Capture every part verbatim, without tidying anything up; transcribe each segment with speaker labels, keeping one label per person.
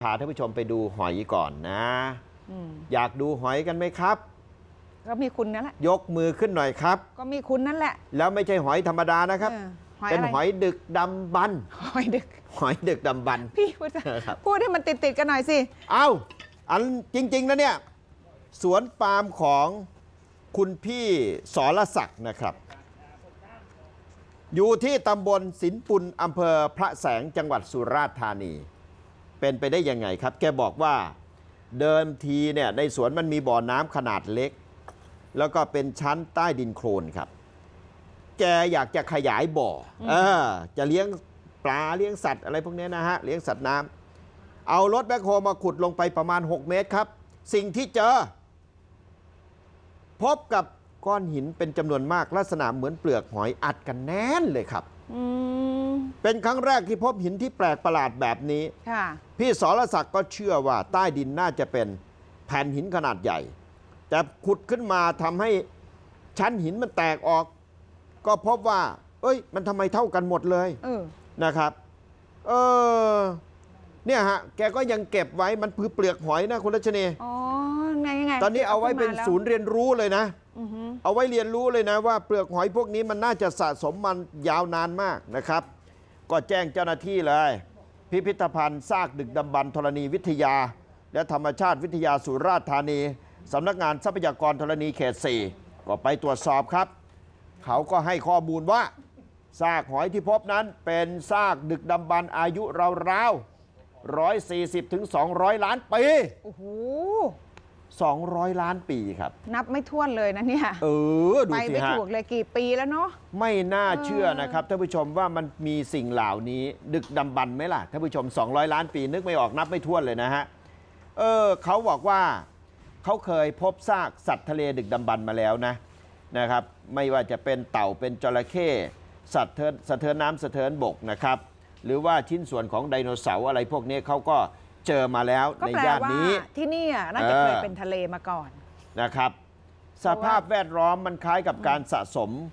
Speaker 1: พาท่านผู้ชมไปดูหอยก่อนนะออยากดูหอยกันไหมครับ
Speaker 2: ก็มีคุณนั่นแหละ
Speaker 1: ยกมือขึ้นหน่อยครับ
Speaker 2: ก็มีคุณนั่นแหละ
Speaker 1: แล้วไม่ใช่หอยธรรมดานะครับเป็นหอยดึกดำบรรพ์
Speaker 2: หอยดึก
Speaker 1: หอยดึกดำบรรพ์
Speaker 2: พี่พูดพูดให้มันติดติดกันหน่อยสิ
Speaker 1: เอ้าอันจริงๆนะเนี่ยสวนปาล์มของคุณพี่สรศักดิ์นะครับอยู่ที่ตำบลสินปุลอำเภอพระแสงจังหวัดสุราษฎร์ธานีเป็นไปได้ยังไงครับแกบอกว่าเดิมทีเนี่ยในสวนมันมีบ่อน้ำขนาดเล็กแล้วก็เป็นชั้นใต้ดินโคลนครับแกอยากจะขยายบ่อเออจะเลี้ยงปลาเลี้ยงสัตว์อะไรพวกนี้นะฮะเลี้ยงสัตว์น้ำเอารถแบ็คโฮมาขุดลงไปประมาณหกเมตรครับสิ่งที่เจอพบกับก้อนหินเป็นจำนวนมากลักษณะเหมือนเปลือกหอยอัดกันแน่นเลยครับเป็นครั้งแรกที่พบหินที่แปลกประหลาดแบบนี้พี่สรศักดิ์ก็เชื่อว่าใต้ดินน่าจะเป็นแผ่นหินขนาดใหญ่แต่ขุดขึ้นมาทำให้ชั้นหินมันแตกออกก็พบว่าเอ้ยมันทำไมเท่ากันหมดเลยเออนะครับเออเนี่ยฮะแกก็ยังเก็บไว้มันคือเปลือกหอยนะคุณรัชนี
Speaker 2: อ๋อไงไง
Speaker 1: ตอนนี้เอาไว้เป็นศูนย์เรียนรู้เลยนะเอาไว้เรียนรู้เลยนะว่าเปลือกหอยพวกนี้มันน่าจะสะสมมันยาวนานมากนะครับก็แจ้งเจ้าหน้าที่เลยพิพิธภัณฑ์ซากดึกดำบรรพ์ธรณีวิทยาและธรรมชาติวิทยาสุราษฎร์ธานีสำนักงานทรัพยากรธรณีเขตสี่ก็ไปตรวจสอบครับเขาก็ให้ข้อมูลว่าซากหอยที่พบนั้นเป็นซากดึกดำบรรพ์อายุราวๆร้อยสี่สิบถึงสองร้อยล้านปี
Speaker 2: โอ้โห
Speaker 1: สองร้อยล้านปีครับ
Speaker 2: นับไม่ถ้วนเลยนะเนี่ย
Speaker 1: เออดูสิฮะไป
Speaker 2: ไม่ถูกเลยกี่ปีแล้วเนาะ
Speaker 1: ไม่น่าเชื่อนะครับท่านผู้ชมว่ามันมีสิ่งเหล่านี้ดึกดำบรรพ์ไหมล่ะท่านผู้ชมสองร้อยล้านปีนึกไม่ออกนับไม่ถ้วนเลยนะฮะเออเขาบอกว่าเขาเคยพบซากสัตว์ทะเลดึกดำบรรพ์มาแล้วนะนะครับไม่ว่าจะเป็นเต่าเป็นจระเข้สัตว์สะเทินน้ำสะเทินบกนะครับหรือว่าชิ้นส่วนของไดโนเสาร์อะไรพวกนี้เขาก็เจอมาแล้วในย่านนี้
Speaker 2: ที่นี่น่าจะเคยเป็นทะเลมาก่อน
Speaker 1: นะครับสภาพแวดล้อมมันคล้ายกับการสะสม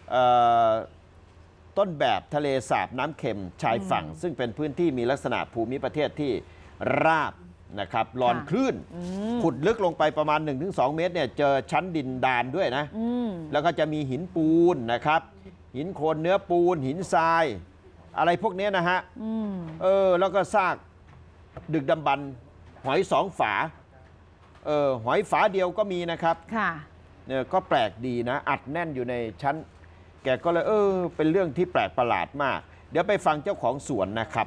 Speaker 1: ต้นแบบทะเลสาบน้ำเค็มชายฝั่งซึ่งเป็นพื้นที่มีลักษณะภูมิประเทศที่ราบนะครับลอนคลื่นขุดลึกลงไปประมาณ หนึ่งถึงสอง เมตรเนี่ยเจอชั้นดินดานด้วยนะแล้วก็จะมีหินปูนนะครับหินโคลนเนื้อปูนหินทรายอะไรพวกนี้นะฮะเออแล้วก็ซากดึกดำบรรพ์หอยสองฝาเออหอยฝาเดียวก็มีนะครับค่ะเนี่ยก็แปลกดีนะอัดแน่นอยู่ในชั้นแกก็เลยเออเป็นเรื่องที่แปลกประหลาดมากเดี๋ยวไปฟังเจ้าของสวนนะครับ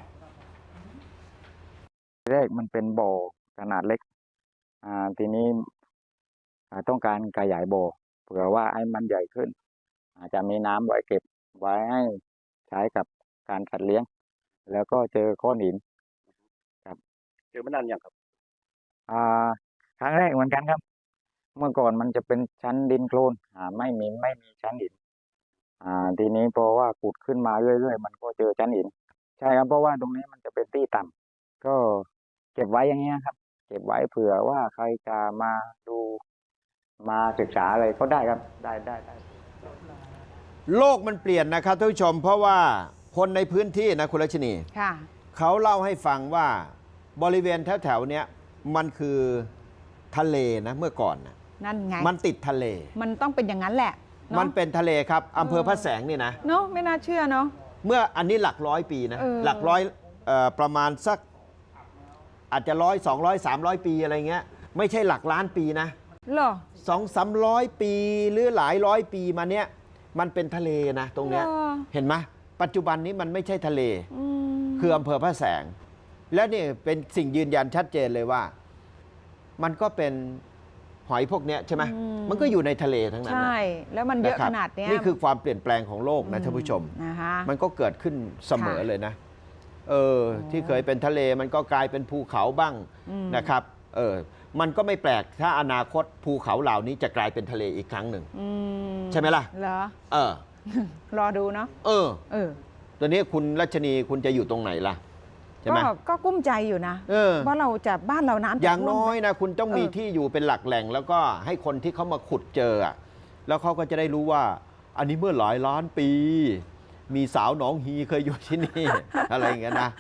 Speaker 3: แรกมันเป็นบ่อขนาดเล็กอ่าทีนี้ต้องการขยายบ่อเผื่อว่าให้มันใหญ่ขึ้นอาจจะมีน้ำไว้เก็บไว้ให้ใช้กับการสัตว์เลี้ยงแล้วก็เจอก้อนหินครับ
Speaker 4: เจอมานานยังครับ
Speaker 3: อ่าครั้งแรกเหมือนกันครับเมื่อก่อนมันจะเป็นชั้นดินโคลนอ่าไม่มีไม่มีชั้นหินอ่าทีนี้เพราะว่าขุดขึ้นมาเรื่อยๆมันก็เจอชั้นหินใช่ครับเพราะว่าตรงนี้มันจะเป็นที่ต่ำก็เก็บไว้อย่างเงี้ยครับเก็บไว้เผื่อว่าใครจะมาดูมาศึกษาอะไรก็ได้ครับได้ได้ได้
Speaker 1: โลกมันเปลี่ยนนะครับท่านผู้ชมเพราะว่าคนในพื้นที่นะคุณรัชนีเขาเล่าให้ฟังว่าบริเวณแถวๆเนี้ยมันคือทะเลนะเมื่อก่อนนะ
Speaker 2: นั่นไง
Speaker 1: มันติดทะเล
Speaker 2: มันต้องเป็นอย่างนั้นแหละ
Speaker 1: มันเป็นทะเลครับอำเภอพระแสงนี่นะ
Speaker 2: เนาะไม่น่าเชื่อเนาะ
Speaker 1: เมื่ออันนี้หลักร้อยปีนะหลักร้อยประมาณสักอาจจะร้อยสองร้อยสามร้อยปีอะไรเงี้ยไม่ใช่หลักล้านปีนะ
Speaker 2: เหรอ
Speaker 1: สองสามร้อยปีหรือหลายร้อยปีมาเนี้ยมันเป็นทะเลนะตรงเนี้ยเห็นไหมปัจจุบันนี้มันไม่ใช่ทะเลคืออำเภอพระแสงและนี่เป็นสิ่งยืนยันชัดเจนเลยว่ามันก็เป็นหอยพวกนี้ใช่ไหมมันก็อยู่ในทะเลทั้งนั้น
Speaker 2: ใช่แล้วมันเยอะขนาดนี้
Speaker 1: นี่คือความเปลี่ยนแปลงของโลกนะท่านผู้ชมมันก็เกิดขึ้นเสมอเลยนะเออที่เคยเป็นทะเลมันก็กลายเป็นภูเขาบ้างนะครับเออมันก็ไม่แปลกถ้าอนาคตภูเขาเหล่านี้จะกลายเป็นทะเลอีกครั้งหนึ่งใช่ไหมล่ะ
Speaker 2: เหรอ
Speaker 1: เออ
Speaker 2: รอดูเนาะ
Speaker 1: เออเออตัวนี้คุณรัชนีคุณจะอยู่ตรงไหนล่ะใช่ไหม
Speaker 2: ก็กุ้มใจอยู่นะว่าเราจะบ้านเราน้ำ
Speaker 1: อย่างน้อยนะคุณต้องมีที่อยู่เป็นหลักแหล่งแล้วก็ให้คนที่เขามาขุดเจอแล้วเขาก็จะได้รู้ว่าอันนี้เมื่อหลายล้านปีมีสาวหนองฮีเคยอยู่ที่นี่อะไรอย่างเงี้ยนะ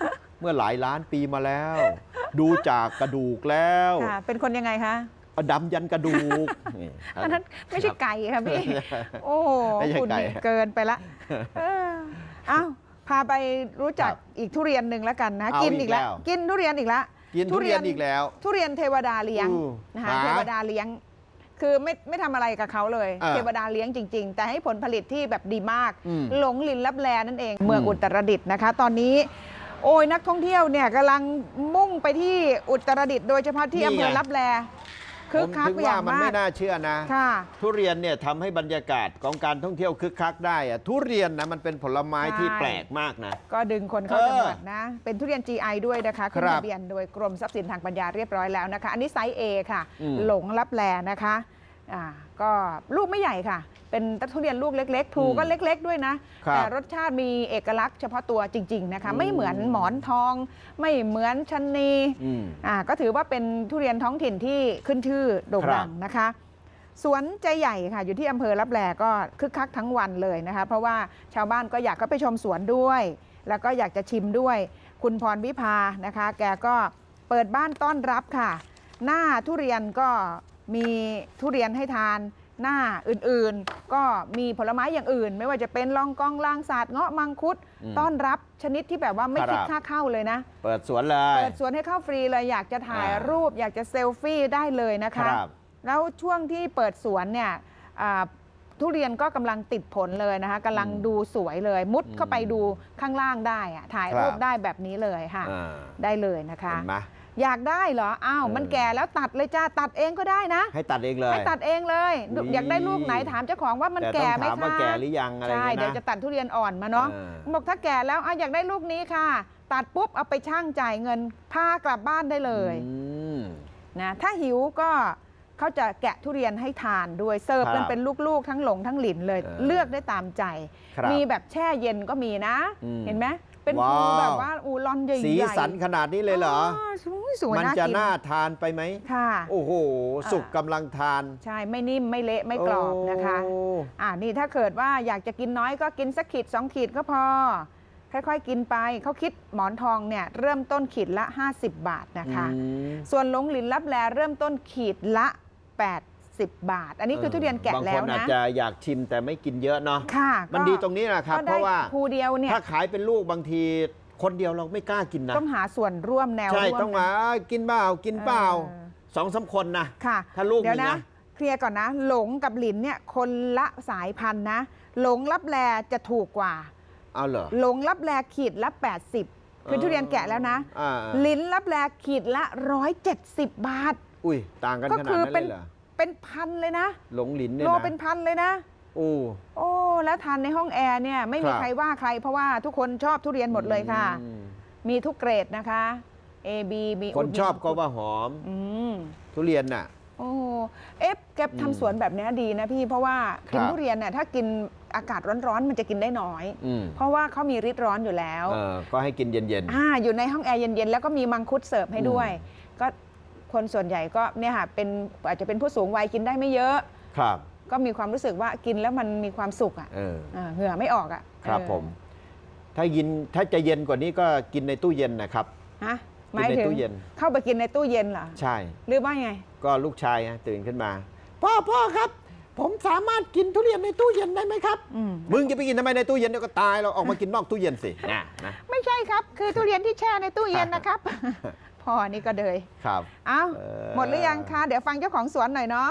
Speaker 1: เมื่อหลายล้านปีมาแล้ว ดูจากกระดูกแล้ว
Speaker 2: ค่ะ เป็นคนยังไงคะ
Speaker 1: ดำยันกระดูกนี่
Speaker 2: อันนั้นไม่ใช่ไก่ค่ะพี่ โอ้โห
Speaker 1: ไม่ใช่
Speaker 2: คุณ
Speaker 1: ไก่
Speaker 2: นี่เกินไปละเออเอ้าพาไปรู้จัก
Speaker 1: ครับ
Speaker 2: อีกทุเรียนหนึ่งแล้วกันนะ
Speaker 1: เอา
Speaker 2: กิน
Speaker 1: อี
Speaker 2: อี
Speaker 1: ก
Speaker 2: กแล้ว
Speaker 1: แล้ว
Speaker 2: กินทุเรียนอีกแล้ว
Speaker 1: กินทุเรียนอีกแล้ว
Speaker 2: ทุเรียนเทวดาเลี้ยง
Speaker 1: อู้
Speaker 2: นะคะ
Speaker 1: หา
Speaker 2: เทวดาเลี้ยง คือไม่ไม่ทำอะไรกับเขาเลย
Speaker 1: อ่า
Speaker 2: เทวดาเลี้ยงจริง ๆ แต่ให้ผลผลิตที่แบบดีมาก
Speaker 1: อืม
Speaker 2: หลงลินลับแลนั่นเอง เมือง
Speaker 1: อืม
Speaker 2: อุตรดิตถ์นะคะ ตอนนี้ โอ้ยนักท่องเที่ยวเนี่ยกำลังมุ่งไปที่อุตรดิตถ์โดยเฉพาะที่อำเภอลับแลคึก
Speaker 1: ผม
Speaker 2: คัก
Speaker 1: ถึง
Speaker 2: อ
Speaker 1: ว่า
Speaker 2: ย่าง
Speaker 1: มัน
Speaker 2: มา
Speaker 1: ไม่
Speaker 2: ก
Speaker 1: น่าเชื่อนะ
Speaker 2: ค่ะ
Speaker 1: ทุเรียนเนี่ยทำให้บรรยากาศของการท่องเที่ยวคึกคักได้อะทุเรียนนะมันเป็นผลไม้ที่
Speaker 2: ใช่
Speaker 1: แปลกมากนะ
Speaker 2: ก็ดึงคนเข้า
Speaker 1: เออ
Speaker 2: จังหวัดนะ เป็นทุเรียน จี ไอ ด้วยนะคะขึ้น
Speaker 1: ครับ
Speaker 2: ทะเบียนโดยกรมทรัพย์สินทางปัญญาเรียบร้อยแล้วนะคะ อันนี้ไซส์ A ค่ะ
Speaker 1: อืม
Speaker 2: หลงลับแลนะคะอ่าก็ลูกไม่ใหญ่ค่ะ เป็นทุเรียนลูกเล็ก ๆ ถูก็เล็ก ๆ ด้วยนะ
Speaker 1: ครับ
Speaker 2: แต่รสชาติมีเอกลักษณ์เฉพาะตัวจริง ๆ นะคะ
Speaker 1: อืม
Speaker 2: ไม่เหมือนหมอนทอง ไม่เหมือนชะนี
Speaker 1: อืม
Speaker 2: อ่าก็ถือว่าเป็นทุเรียนท้องถิ่นที่ขึ้นชื่อโด่ง
Speaker 1: ครับ
Speaker 2: ดังนะคะ สวนใจใหญ่ค่ะอยู่ที่อำเภอลับแลก็คึกคักทั้งวันเลยนะคะ เพราะว่าชาวบ้านก็อยากเข้าไปชมสวนด้วย แล้วก็อยากจะชิมด้วย คุณพรวิภานะคะ แกก็เปิดบ้านต้อนรับค่ะ หน้าทุเรียนก็มีทุเรียนให้ทาน หน้าอื่นๆ ก็มีผลไม้อย่างอื่น ไม่ว่าจะเป็นลองกองลางสาดเงาะมังคุด
Speaker 1: อืม
Speaker 2: ต้อนรับชนิดที่แบบว่าไม่
Speaker 1: ครับ
Speaker 2: คิดค่าเข้าเลยนะ
Speaker 1: เปิดสวนเลย
Speaker 2: เปิดสวนให้เข้าฟรีเลยอยากจะถ่าย
Speaker 1: อ่า
Speaker 2: รูป อยากจะเซลฟี่ได้เลยนะ
Speaker 1: ค
Speaker 2: คะ
Speaker 1: รับ
Speaker 2: แล้วช่วงที่เปิดสวนเนี่ยอ่าทุเรียนก็กำลังติดผลเลยนะคะกำลัง
Speaker 1: อืม
Speaker 2: ดูสวยเลย มุด
Speaker 1: อืม
Speaker 2: เข้าไปดูข้างล่างได้อะถ่าย
Speaker 1: ครับ
Speaker 2: รูปได้แบบนี้เลยค่ะ
Speaker 1: อ่า
Speaker 2: ได้เลยนะคะ
Speaker 1: เห็นไหม
Speaker 2: อยากได้เหรออ้าว
Speaker 1: เออ
Speaker 2: มันแก่แล้วตัดเลยจ้าตัดเองก็ได้นะ
Speaker 1: ให้ตัดเองเลย
Speaker 2: ให้ตัดเองเลย
Speaker 1: อุ๊ย
Speaker 2: อยากได้ลูกไหนถามเจ้าของว่ามัน
Speaker 1: แต่ต้
Speaker 2: แก่
Speaker 1: อง
Speaker 2: ไหม
Speaker 1: ถามว่า
Speaker 2: คะ
Speaker 1: แก่หรือยังอะไร
Speaker 2: ใช่
Speaker 1: เงี้ยนะ
Speaker 2: เดี๋ยวจะตัดทุเรียนอ่อนมาเนาะ
Speaker 1: เออ
Speaker 2: บอกถ้าแก่แล้วอ่ะอยากได้ลูกนี้ค่ะ ตัดปุ๊บเอาไปช่างจ่ายเงินพากลับบ้านได้เลย
Speaker 1: อืม
Speaker 2: นะถ้าหิวก็เขาจะแกะทุเรียนให้ทานด้วยเสิร์ฟ
Speaker 1: ครับ
Speaker 2: กันเป็นลูกๆ ทั้งหลงทั้งหลินเลย
Speaker 1: เออ
Speaker 2: เลือกได้ตามใจ
Speaker 1: ครับ
Speaker 2: มีแบบแช่เย็นก็มีนะ
Speaker 1: อืม
Speaker 2: เห็นไหมเป็น
Speaker 1: ว้าว
Speaker 2: ภูแบบว่าอูรอนใหญ่ๆ
Speaker 1: สีสันขนาดนี้เลยเหรอ
Speaker 2: สวยสวย
Speaker 1: มัน
Speaker 2: น่า
Speaker 1: จะ
Speaker 2: กิน
Speaker 1: น่าทานไปไหม
Speaker 2: ค่ะ
Speaker 1: โอ้โห สุกกำลังทาน
Speaker 2: ใช่ไม่นิ่มไม่เละไม่กรอบนะคะ
Speaker 1: โอ้
Speaker 2: อ่านี่ถ้าเกิดว่าอยากจะกินน้อยก็กินสักขีดสองขีดก็พอ ค่อยๆกินไปเขาคิดหมอนทองเนี่ยเริ่มต้นขีดละ ห้าสิบบาทนะคะ
Speaker 1: อืม
Speaker 2: ส่วนหลงหลินลับแลเริ่มต้นขีดละ แปดสิบบาท อันนี้คือทุเรียนแกะแล้ว
Speaker 1: บางคนอาจ
Speaker 2: นะ
Speaker 1: จะอยากชิมแต่ไม่กินเยอะเนาะ
Speaker 2: ค่ะ
Speaker 1: มัน
Speaker 2: ก็
Speaker 1: ดีตรงนี้นะครับ
Speaker 2: ก็
Speaker 1: เพ
Speaker 2: ได้
Speaker 1: ราะว่า
Speaker 2: ภูเดียวเนี่ย
Speaker 1: ถ้าขายเป็นลูกบางทีคนเดียวเราไม่กล้ากินนะ
Speaker 2: ต้องหาส่วนร่วมแนว
Speaker 1: ใช่
Speaker 2: ร่วม
Speaker 1: ต้องมากินเปล่ากินเปล่า
Speaker 2: เออ
Speaker 1: สองสามคนนะ
Speaker 2: ค่ะ
Speaker 1: ถ้าลูก
Speaker 2: เดี๋ยว
Speaker 1: หนึ่ง
Speaker 2: นะ
Speaker 1: นะ
Speaker 2: เคลียร์ก่อนนะ หลงกับหลินเนี่ยคนละสายพันธุ์นะ หลงลับแลจะถูกกว่า
Speaker 1: เอาเหรอ
Speaker 2: หลงลับแลขีดละ แปดสิบ คือทุเรียนแกะแล้วนะ
Speaker 1: อ่า
Speaker 2: ลิ้นลับแลขีดละ หนึ่งร้อยเจ็ดสิบ บาท
Speaker 1: อุ้ยต่างกัน
Speaker 2: ก็
Speaker 1: ขนาด
Speaker 2: คือ
Speaker 1: นั้น
Speaker 2: เป็
Speaker 1: เล
Speaker 2: น
Speaker 1: ยเหรอ
Speaker 2: เป็นพันเลยนะ
Speaker 1: หลงหลินเนี่ย
Speaker 2: โล
Speaker 1: นะ
Speaker 2: เป็นพันเลยนะ
Speaker 1: โอ้
Speaker 2: โอ้แล้วทานในห้องแอร์เนี่ยไม่มี
Speaker 1: ครับ
Speaker 2: ใครว่าใคร เพราะว่าทุกคนชอบทุเรียนหมดเลยค่ะ
Speaker 1: อืม
Speaker 2: มีทุกเกรดนะคะ A B มี
Speaker 1: คนชอบก็ว่าหอม
Speaker 2: อืม
Speaker 1: ทุเรียนน่ะ
Speaker 2: โอ้เอฟแก
Speaker 1: อืม
Speaker 2: ทำสวนแบบนี้ดีนะพี่เพราะว่ากิน
Speaker 1: ครับ
Speaker 2: ทุเรียนเนี่ยถ้ากินอากาศร้อนๆมันจะกินได้น้อย
Speaker 1: อืม
Speaker 2: เพราะว่าเขามีฤทธิ์ร้อนอยู่แล้ว
Speaker 1: เออก็ให้กินเย็น
Speaker 2: อ่าอยู่ในห้องแอร์เย็นๆแล้วก็มีมังคุดเสิร์ฟให้ด้วย ก็คนส่วนใหญ่ก็เนี่ยค่ะเป็นอาจจะเป็นผู้สูงวัยกินได้ไม่เยอะ
Speaker 1: ๆ ครับ
Speaker 2: ก็มีความรู้สึกว่ากินแล้วมันมีความสุขอ่ะ
Speaker 1: เออ
Speaker 2: อ่าเหงื่อไม่ออกอ่ะ
Speaker 1: ครับ
Speaker 2: เออ
Speaker 1: ผม ถ้ายินถ้าจะเย็นกว่านี้ก็กินในตู้เย็นนะครับ
Speaker 2: ฮะห
Speaker 1: กิน
Speaker 2: มาย
Speaker 1: ใน
Speaker 2: ถึง
Speaker 1: ตู้เย็น
Speaker 2: เข้าไปกินในตู้เย็นเหรอ
Speaker 1: ใช่
Speaker 2: หรือว่าไง
Speaker 1: ก็ลูกชายฮะตื่นขึ้นมา พ่อพ่อครับ ผมสามารถกินทุเรียนในตู้เย็นได้ไหมครับ
Speaker 2: อืม
Speaker 1: มึงจะไปกินทำไมในตู้เย็นเดี๋ยวก็ตายเราออกมากินนอกตู้เย็นสินะนะ
Speaker 2: ไม่ใช่ครับ คือทุเรียนที่แช่ในตู้เย็นนะครับ พ่อนี่ก็เลย
Speaker 1: ครับ
Speaker 2: เอ้า
Speaker 1: เออ
Speaker 2: หมดหรือยังคะเดี๋ยวฟังเจ้าของสวนหน่อยเนาะ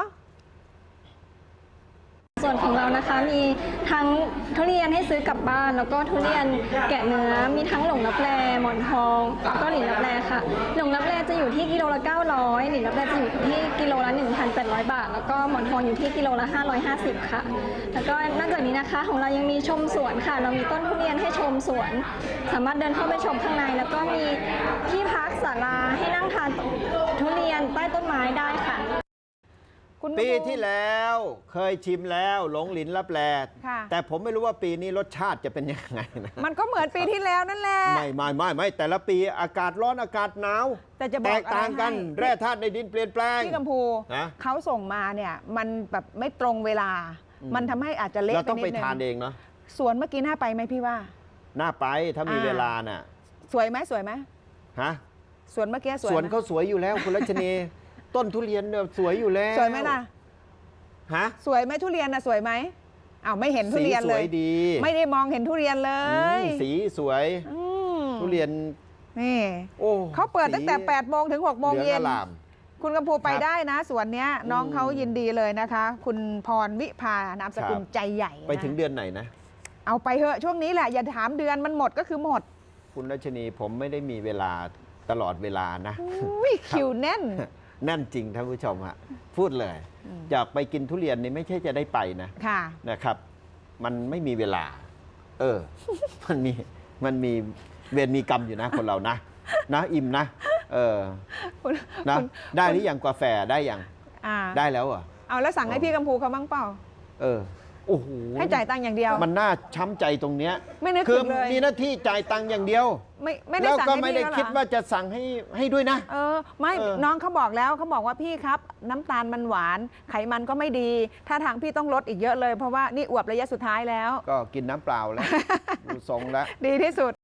Speaker 4: ส่วนของเรานะคะมีทั้งทุเรียนให้ซื้อกลับบ้าน แล้วก็ทุเรียนแกะเนื้อมีทั้งหลงลับแลหมอนทองแล้วก็หลินลับแลค่ะหลงลับแลจะอยู่ที่กิโลละเก้าร้อยหลินลับแลจะอยู่ที่กิโลละ หนึ่งพันแปดร้อย บาท แล้วก็หมอนทองอยู่ที่กิโลละห้าร้อยห้าสิบค่ะแล้วก็นอกจากนี้นะคะของเรายังมีชมสวนค่ะ เรามีต้นทุเรียนให้ชมสวน สามารถเดินเข้าไปชมข้างในแล้วก็มีที่พักศาลาให้นั่งทานทุเรียนใต้ต้นไม้ได้ค่ะ
Speaker 2: คุณ
Speaker 1: ปี
Speaker 2: ครู
Speaker 1: ที่แล้วเคยชิมแล้วหลงหลินรับแล
Speaker 2: ค่ะ
Speaker 1: แต่ผมไม่รู้ว่าปีนี้รสชาติจะเป็นยังไงนะ
Speaker 2: มันก็เหมือนปีที่แล้วนั่นแหละ
Speaker 1: ไม่ไม่ไม่ไม่แต่ละปีอากาศร้อนอากาศหนาว
Speaker 2: แต่จะบ
Speaker 1: แต
Speaker 2: อก
Speaker 1: กต่างกัน
Speaker 2: อะไรให้
Speaker 1: แร่ธาตุในดินเปลี่ยนแปลง
Speaker 2: พี่กัมพู
Speaker 1: นะ
Speaker 2: เขาส่งมาเนี่ยมันแบบไม่ตรงเวลา
Speaker 1: อืม
Speaker 2: มันทำให้อาจจะเละ
Speaker 1: เรา
Speaker 2: ไป
Speaker 1: ต้อง
Speaker 2: นิ
Speaker 1: ไป
Speaker 2: ดนึง
Speaker 1: ทานเองเนาะ
Speaker 2: สวนเมื่อกี้น่าไปไหมพี่ว่า
Speaker 1: น่าไปถ้ามี
Speaker 2: อ่า
Speaker 1: เวลาน่ะ
Speaker 2: สวยไหมสวยไหม
Speaker 1: ฮะ
Speaker 2: สวนเมื่อกี้สวย
Speaker 1: สวน
Speaker 2: ไหม
Speaker 1: เขาสวยอยู่แล้วคุณรัชนี ต้นทุเรียนเนี่ยสวยอยู่แล้ว
Speaker 2: สวยไหมล่ะ
Speaker 1: ฮะ
Speaker 2: สวยไหมทุเรียนนะสวยไหมอ้าวไม่เห็นทุเรียน
Speaker 1: สีส
Speaker 2: เล
Speaker 1: วย ยดี
Speaker 2: ไม่ได้มองเห็นทุเรียนเล
Speaker 1: อื
Speaker 2: ย
Speaker 1: มสีสวย
Speaker 2: อืม
Speaker 1: ทุเรียน
Speaker 2: นี่
Speaker 1: โอ้
Speaker 2: เขาเปิดตั้งแต่
Speaker 1: สี
Speaker 2: แปดโมงถึงหกโมง
Speaker 1: เหลื
Speaker 2: เย็
Speaker 1: อง
Speaker 2: น
Speaker 1: อลาม
Speaker 2: คุณกำพูไป
Speaker 1: ครับ
Speaker 2: ได้นะสวนเนี้ยน้อง
Speaker 1: อืม
Speaker 2: เขายินดีเลยนะคะ คุณพรวิภานามสกุล
Speaker 1: ครับ
Speaker 2: ใจใหญ่นะ
Speaker 1: ไปถึงเดือนไหนนะ
Speaker 2: เอาไปเถอะช่วงนี้แหละอย่าถามเดือนมันหมดก็คือหมด
Speaker 1: คุณรัชนีผมไม่ได้มีเวลาตลอดเวลานะ
Speaker 2: อุ้ยคิวแน่น
Speaker 1: แน่นจริงท่านผู้ชมฮะพูดเลย
Speaker 2: อืม
Speaker 1: อยากไปกินทุเรียนนี่ไม่ใช่จะได้ไปนะ
Speaker 2: ค่ะ
Speaker 1: นะครับ มันไม่มีเวลา เออ มันมีมันมีเวรมีกรรมอยู่นะคนเรานะ นะอิ่มนะ เออ
Speaker 2: คุณ
Speaker 1: นะ
Speaker 2: คุณ
Speaker 1: ได้หรือยังกาแฟได้ยัง
Speaker 2: อ่า
Speaker 1: ได้แล้วเหรอ
Speaker 2: เอาแล้วสั่งให้
Speaker 1: อ๋อ
Speaker 2: พี่กำพูเขาบ้างเปล่า
Speaker 1: เออโอ้โห
Speaker 2: ให้จ่ายตังค์อย่างเดียว
Speaker 1: มันน่าช้ำใจตรงเนี้ย
Speaker 2: ไม่นึก
Speaker 1: คื
Speaker 2: ถึงเลย
Speaker 1: มีหน้าที่จ่ายตังค์อย่างเดียว
Speaker 2: ไม่ไม่ได้
Speaker 1: แล้ว
Speaker 2: สั่ง
Speaker 1: ก็
Speaker 2: ให้
Speaker 1: ไม่
Speaker 2: พี่
Speaker 1: ได้
Speaker 2: แล้วเหรอ
Speaker 1: คิดว่าจะสั่งให้ให้ด้วยนะ
Speaker 2: เออไม่
Speaker 1: เออ
Speaker 2: น้องเขาบอกแล้วเขาบอกว่าพี่ครับ น้ำตาลมันหวาน ไขมันก็ไม่ดีถ้าทางพี่ต้องลดอีกเยอะเลยเพราะว่านี่อวบระยะสุดท้ายแล้ว
Speaker 1: ก็กินน้ำเปล่าแล้ว ดูทรงแล้ว
Speaker 2: ดีที่สุด